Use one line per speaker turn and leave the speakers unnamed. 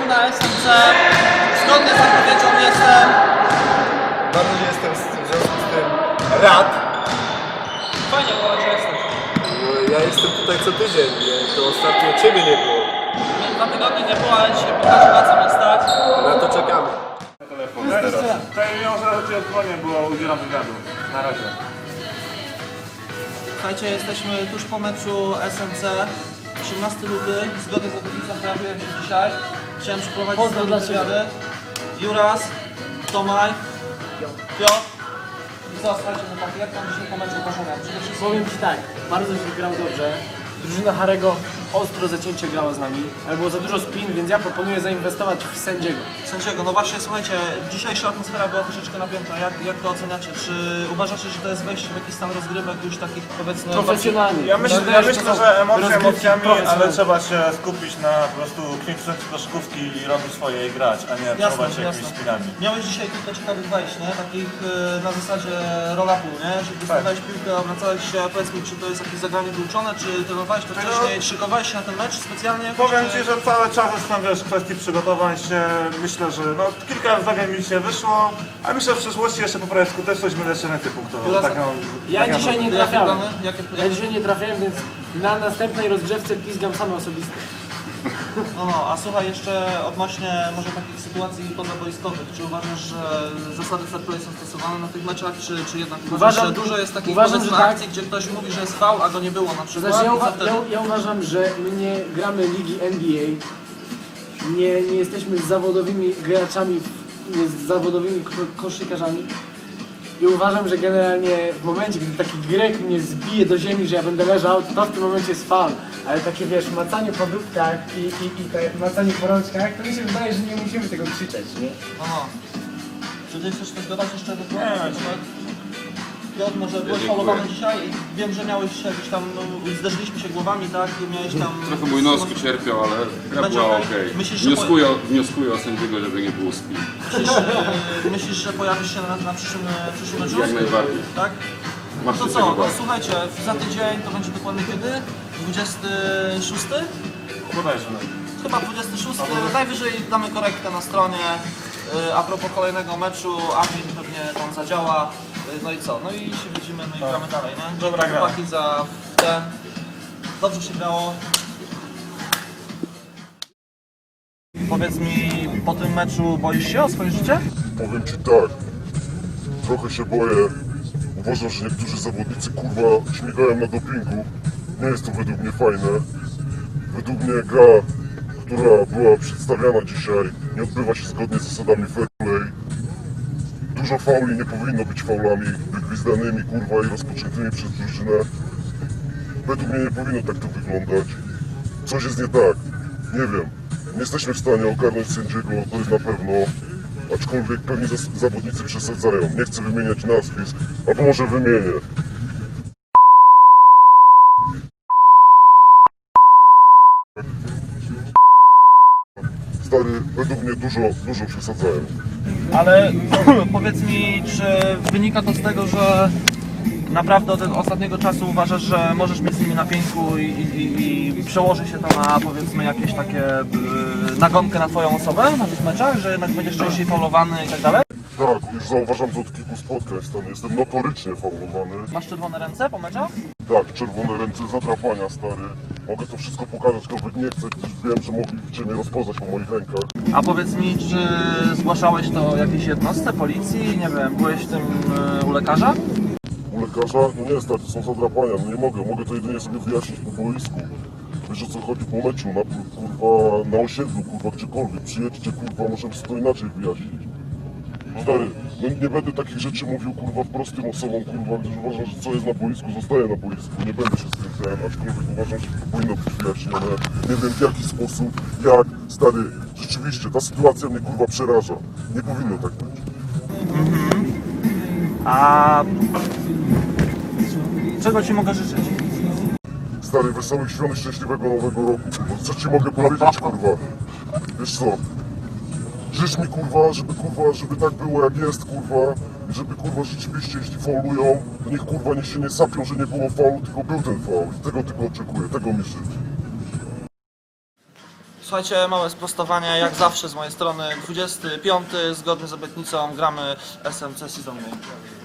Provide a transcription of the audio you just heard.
na SMC. Zgodnie z zapowiedzią jestem.
Bardzo nie jestem w związku z tym rad.
Fajnie, że jesteś.
No, ja jestem tutaj co tydzień, to ostatnio ciebie nie było.
2 tygodnie nie było, ale dzisiaj pokażę na co mnie stać.
Na to czekamy.
Tutaj wiąże ci oddzwonię, bo udzielam wywiadu. Na razie.
Słuchajcie, jesteśmy tuż po meczu SMC. 18 luty, zgodnie z obietnicą pojawiłem się dzisiaj. Chciałem przeprowadzić z nami wywiady. Juras, Tomaj, Piotr. I co, słuchajcie, no tak, jak tam dzisiaj po meczu poszło? Przede wszystkim
Powiem Ci tak, bardzo się grał dobrze. Drużyna Harego ostro zacięcie grała z nami, ale było za dużo spin, więc ja proponuję zainwestować w sędziego.
sędziego. No właśnie, słuchajcie, dzisiejsza atmosfera była troszeczkę napięta. Jak to oceniacie? Czy uważacie, że to jest wejście w jakiś stan rozgrywek już takich, powiedzmy...
Profesjonalnie.
Ja myślę, że emocje
rozgrywki
emocjami, ale
profesjonalne.
trzeba się skupić na po prostu kwintesencji koszykówki i robić swoje i grać, a nie próbować się jakimiś spinami.
Miałeś dzisiaj kilka ciekawych wejść, nie? Takich na zasadzie roll-upu, nie? Że dostawałeś piłkę, obracałeś się, a powiedz mi, czy to jest jakieś zagranie wyuczone, czy trenowałeś to wcześniej, szykowałeś się na ten mecz specjalnie?
Powiem
czy...
Ci, że cały czas jestem, wiesz, w kwestii przygotowań się. Myślę, że no, kilka zdarzeń mi się wyszło, a myślę, że w przyszłości jeszcze poprawię skuteczność, będę jeszcze więcej punktów.
Ja dzisiaj nie
Jakie
trafiałem.
plany?
Ja dzisiaj nie trafiałem, więc na następnej rozgrzewce pizgam same osobiste.
No, a słuchaj, jeszcze odnośnie może takich sytuacji pozaboiskowych, czy uważasz, że zasady fair play są stosowane na tych meczach, czy jednak uważasz, że dużo jest takich
uważam, że tak.
akcji, gdzie ktoś mówi, że jest faul, a go nie było na przykład?
Znaczy,
I co wtedy?
ja uważam, że my nie gramy ligi NBA, nie jesteśmy zawodowymi graczami, nie z zawodowymi koszykarzami. I uważam, że generalnie w momencie, gdy taki Grek mnie zbije do ziemi, że ja będę leżał, to w tym momencie jest faul. Ale takie, wiesz, macanie po dupkach i te macanie po rączkach, to mi się wydaje, że nie musimy tego krzyczeć, nie?
Aha. Czy ty chcesz coś dodać jeszcze do tego?
Nie.
Piotr, może byłeś faulowany dzisiaj i wiem, że miałeś jakieś tam, zderzyliśmy się głowami, tak? Miałeś tam...
Trochę mój nos cierpiał, ale gra
Będzie
była
okej.
okej.
Myślisz, że
Wnioskuję o sędziego, żeby nie było spin.
Myślisz, że pojawisz się na przyszłym meczu?
Jak najbardziej.
Tak?
Masz
To
się
co,
tego
no
bać.
słuchajcie, za tydzień to będzie dokładnie kiedy? 26?
Bodajże.
Chyba 26. Najwyżej damy korektę na stronie. A propos kolejnego meczu, admin pewnie tam zadziała. No i co? No i się widzimy, no i gramy dalej, nie?
Dobra gra.
Chłopaki za ten. Dobrze się grało. Powiedz mi, po tym meczu boisz się o swoje życie?
Powiem Ci tak, trochę się boję. Uważam, że niektórzy zawodnicy kurwa śmigają na dopingu. Nie jest to według mnie fajne. Według mnie gra, która była przedstawiana dzisiaj, nie odbywa się zgodnie z zasadami fair play. Dużo fauli nie powinno być faulami wygwizdanymi kurwa i rozpoczętymi przez drużynę. Według mnie nie powinno tak to wyglądać. Coś jest nie tak, nie wiem. Nie jesteśmy w stanie ogarnąć sędziego, to jest na pewno. Aczkolwiek pewnie zawodnicy przesadzają. Nie chcę wymieniać nazwisk, albo może wymienię. Stary, według mnie dużo przesadzają.
Ale powiedz mi, czy wynika to z tego, że naprawdę od ostatniego czasu uważasz, że możesz mieć z nimi na pięku i przełoży się to na, powiedzmy, jakieś takie nagonkę na twoją osobę na tych meczach, że jednak będziesz częściej faulowany i tak dalej?
Tak, już zauważam to od kilku spotkań, stary. Jestem notorycznie faulowany.
Masz czerwone ręce po meczach?
Tak, czerwone ręce, zadrapania, stary. Mogę to wszystko pokazać, aczkolwiek nie chcę, gdyż wiem, że mogliście mnie rozpoznać po moich rękach.
A powiedz mi, czy zgłaszałeś to jakiejś jednostce, policji, nie wiem, byłeś w tym u lekarza?
U lekarza? No nie, stary, to są zadrapania, no nie mogę to jedynie sobie wyjaśnić po boisku. Wiesz, o co chodzi po meczu, kurwa, na osiedlu, kurwa, gdziekolwiek. Przyjedźcie, kurwa, możemy sobie to inaczej wyjaśnić. Stary, no nie będę takich rzeczy mówił, kurwa, prostym osobom, kurwa, gdyż uważam, że co jest na boisku, zostaje na boisku. Nie będę się z tym ten, aczkolwiek uważam, że to powinno być wyjaśnione. Nie wiem w jaki sposób, jak, stary, rzeczywiście, ta sytuacja mnie, kurwa, przeraża. Nie powinno tak być.
A czego ci mogę życzyć?
Stary, wesołych świąt i szczęśliwego nowego roku, kurwa. Co ci mogę powiedzieć, kurwa? Wiesz co? Życz mi, kurwa, żeby tak było jak jest, kurwa. I żeby, kurwa, rzeczywiście, jeśli faulują, to niech, kurwa, niech się nie sapią, że nie było faulu, tylko był ten faul. I tego tylko oczekuję, tego mi życzę.
Słuchajcie, małe sprostowanie, jak zawsze z mojej strony. 25, zgodnie z obietnicą, gramy SMC Season Game.